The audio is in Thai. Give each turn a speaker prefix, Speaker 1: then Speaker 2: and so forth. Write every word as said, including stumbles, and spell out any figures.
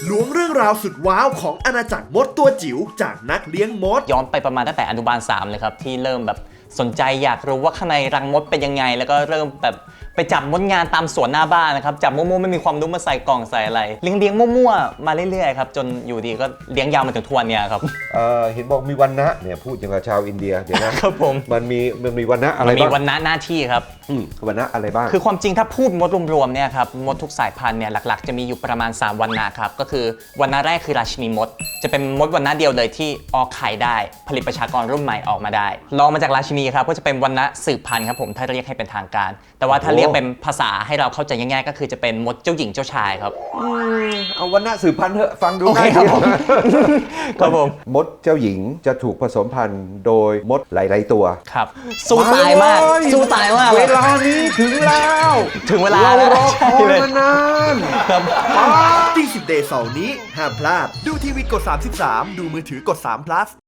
Speaker 1: ล้วงเรื่องราวสุดว้าวของอาณาจักรมดตัวจิ๋วจากนักเลี้ยงมด
Speaker 2: ย้อนไปประมาณตั้งแต่อนุบาลสามเลยครับที่เริ่มแบบสนใจอยากรู้ว่าข้างในรังมดเป็นยังไงแล้วก็เริ่มแบบไปจับมดงานตามสวนหน้าบ้านนะครับจับมั่วๆไม่มีความรู้มาใส่กล่องใส่อะไรเลี้ยงเลี้ยงมั่วๆมาเรื่อยๆครับจนอยู่ดีก็เลี้ยงยาวมาถึงทุกวันเนี่ยครับ
Speaker 3: เออเห็นบอกมีวันนะเนี่ยพูดอย่างกับชาวอินเดียเดี๋ยวนะครับ
Speaker 2: ผม
Speaker 3: มันมีมันมีวันนะอะไร
Speaker 2: มี
Speaker 3: บ้าง
Speaker 2: วันนะหน้าที่ครับ
Speaker 3: วันนะอะไรบ้าง
Speaker 2: คือความจริงถ้าพูดมดรวมๆเนี่ยครับมดทุกสายพันธุ์เนี่ยหลักๆจะมีอยู่ประมาณสามวันนะครับก็คือวันนะแรกคือราชินีมดจะเป็นมดวันนะเดียวเลยที่ออกไข่ได้ผลิตประชากรรุ่นใหม่ออกมาได้รองมาจากราชินีครับก็จะเป็นวันนะสืบพันธุ์ครับผมถ้าเรียกให้เป็นทางการแต่ว่าถ้าเรียกเป็นภาษาให้เราเข้าใจง่ายๆก็คือจะเป็นมดเจ้าหญิงเจ้าชายครับ
Speaker 3: เอาวันนะสืบพันธุ์เถอะฟังดู
Speaker 2: ง่ายดีครับผม
Speaker 3: มดเจ้าหญิงจะถูกผสมพันธุ์โดยมดหลายๆตัว
Speaker 2: ครับสู้ตายมากสู้ตายมาก
Speaker 3: เวลานี้ถึงแล้ว
Speaker 2: ถึงเวลา
Speaker 3: แล้วรอคอยมานาน
Speaker 1: ที่สิบเดย์เสาร์นี้ห้ามพลาดดูทีวีกดสามสิบสามดูมือถือกดสาม plus